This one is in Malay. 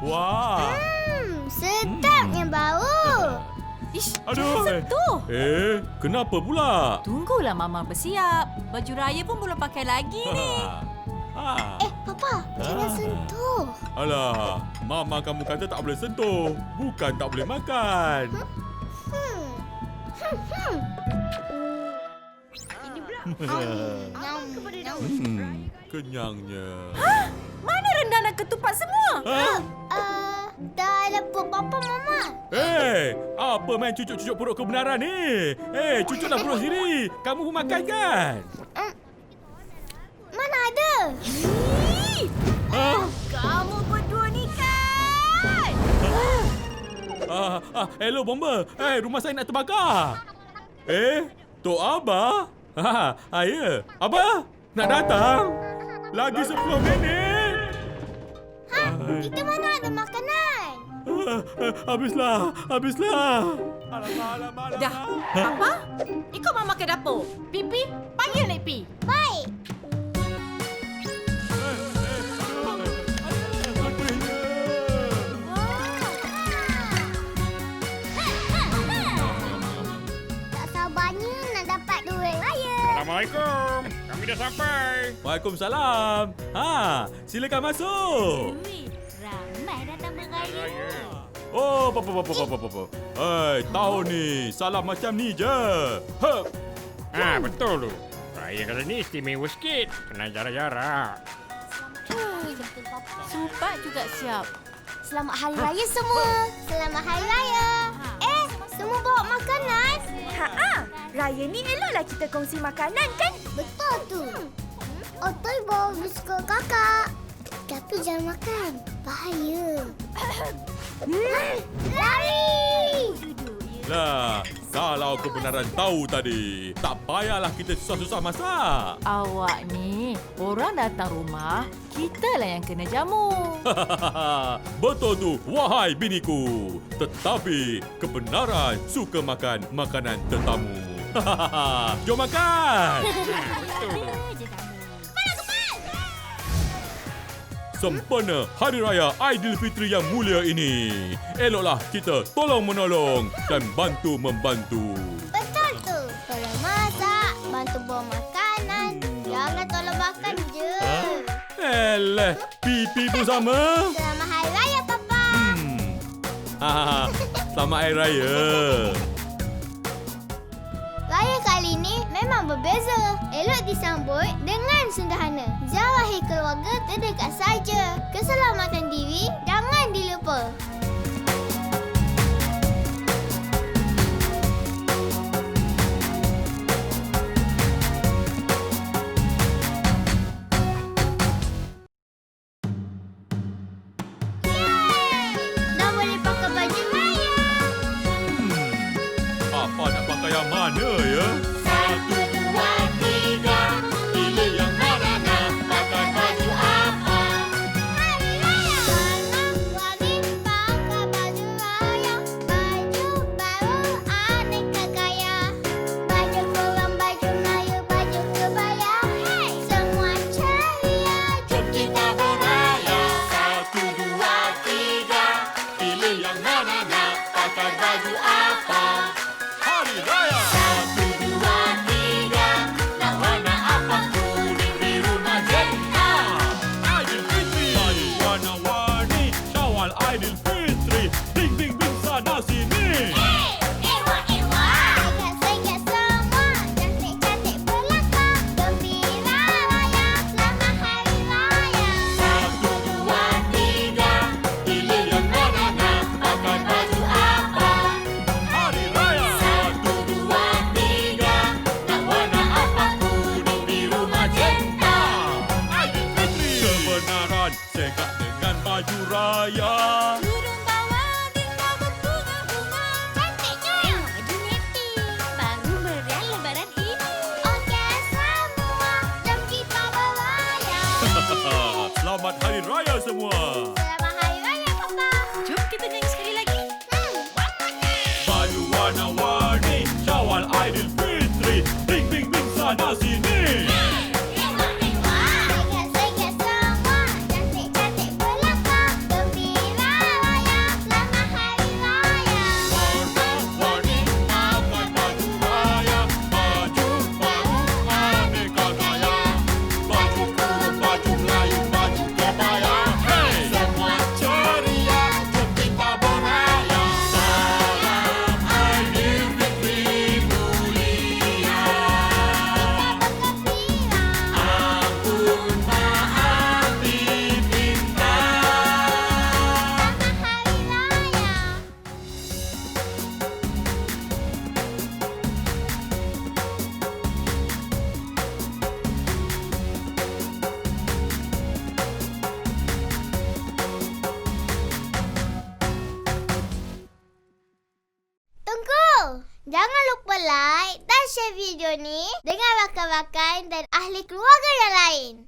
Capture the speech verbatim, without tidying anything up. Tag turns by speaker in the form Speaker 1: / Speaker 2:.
Speaker 1: Wah.
Speaker 2: Hmm, sedapnya bau.
Speaker 3: Ish,
Speaker 1: Aduh.
Speaker 3: jangan sentuh.
Speaker 1: Eh, kenapa pula?
Speaker 3: Tunggulah Mama bersiap. Baju raya pun belum pakai lagi ni.
Speaker 1: Ha.
Speaker 2: Eh, Papa, jangan
Speaker 1: Ah.
Speaker 2: sentuh.
Speaker 1: Alah, Mama kamu kata tak boleh sentuh. Bukan tak boleh makan.
Speaker 2: Hmm. Hmm. Hmm. Ini pula. Nyam. Nyam.
Speaker 1: Hmm, kenyangnya.
Speaker 3: Mana rendang dan ketupat semua?
Speaker 1: Ha?
Speaker 2: Uh, dalam perut Papa, Mama.
Speaker 1: Eh, apa main cucuk-cucuk perut kebenaran ni? Eh, cucuklah perut sendiri. Kamu pun makan kan?
Speaker 2: Hmm. Mana ada?
Speaker 3: Ih,
Speaker 1: Ha?
Speaker 3: kamu berdua ni kan?
Speaker 1: Ah, ah, hello bomba. Eh, rumah saya nak terbakar. Eh, Tok Abah? Ha, ha, ya. Abah, nak datang? Lagi sepuluh minit.
Speaker 2: Ha? Kita mana ada makanan?
Speaker 1: Ah, ah, habislah, habislah. Alamak, alamak, alamak.
Speaker 3: Dah, Papa, ikut Mama ke dapur. Pipi, panggil Nek Pi.
Speaker 2: Baik. Tak sabarnya nak dapat duit raya.
Speaker 4: Assalamualaikum. Kami dah sampai.
Speaker 1: Waalaikumsalam. Ha, silakan masuk.
Speaker 2: Ui, ramai datang beraya.
Speaker 1: Oh, apa apa apa apa apa. Hei, tahun ni salam macam ni je. Hep.
Speaker 4: Ah, betul tu. Raya kali ni istimewa sikit. Kena jarak-jarak.
Speaker 3: Supat juga siap.
Speaker 2: Selamat Hari Raya semua. Selamat Hari Raya. Eh, semua bawa makanan?
Speaker 5: Ha-ha, raya ni eloklah kita kongsi makanan kan?
Speaker 2: Betul tu. Otoy bawa biskut kakak. Tapi jangan makan. Bahaya. Hmm, lari!
Speaker 1: Lah, kalau kebenaran tahu tadi, tak payahlah kita susah-susah masak.
Speaker 3: Awak ni, orang datang rumah, kitalah yang kena jamu.
Speaker 1: Betul tu, wahai biniku. Tetapi kebenaran suka makan makanan tetamu. Jom makan. Sempena Hari Raya Aidilfitri yang mulia ini, eloklah kita tolong-menolong dan bantu-membantu.
Speaker 2: Betul tu. Tolong masak, bantu bawa makanan. Jangan tolong makan je.
Speaker 1: Eleh, pipi pun sama.
Speaker 2: Selamat Hari Raya, Papa.
Speaker 1: Hmm. Ha, selamat Hari Raya.
Speaker 2: Raya kali ini memang berbeza. Elok disambut dengan sederhana. Jauhi keluarga terdekat saja. Keselamatan diri jangan dilupa. Yeay! Dah boleh pakai baju raya.
Speaker 1: Hmm. Apa nak pakai yang mana ya?
Speaker 2: Satu, dua, tiga.
Speaker 1: Pilih yang mana nak pakai baju apa?
Speaker 2: Hari Raya. Warna-warni pakai baju raya. Baju baru aneka gaya. Baju kurung, baju Melayu, baju kebaya. Hey! Semua ceria. Jom kita beraya.
Speaker 1: Satu, dua, tiga. Pilih yang mana nak pakai baju apa? Hari Raya.
Speaker 2: Satu, dua, tiga. Nak warna apa?
Speaker 1: Kuning, biru, magenta. Aidilfitri. Baju warna-warni. Syawal Aidilfitri. Bing, bing, bing sana sini.
Speaker 2: Ewa-ewa. Segat-segat semua. Cantik-cantik belakang. Gembira raya. Selamat Hari Raya.
Speaker 1: Satu, dua, tiga. Pilih yang mana nak pakai baju apa? Hari Raya. Satu, dua, tiga. Nak warna apa? Kuning, biru, magenta. Aidilfitri. Kebenaran sekat dengan baju raya.
Speaker 2: Turun bawah tinggal berbunga-bunga. Cantiknya. Baju neti. Baru meriah lebaran ini. Okey semua. Jom kita beraya.
Speaker 1: Selamat Hari Raya semua.
Speaker 2: Selamat Hari Raya, Papa.
Speaker 3: Jom kita nyanyi sekali lagi.
Speaker 2: Hmm,
Speaker 1: Baju warna-warni. Syawal Aidilfitri. Bing, bing, bing sana sini.
Speaker 2: ewa-ewa. Segat-segat semua. Cantik-cantik belakang. Gembira Tunggu! Jangan lupa like dan share video ni dengan rakan-rakan dan ahli keluarga yang lain.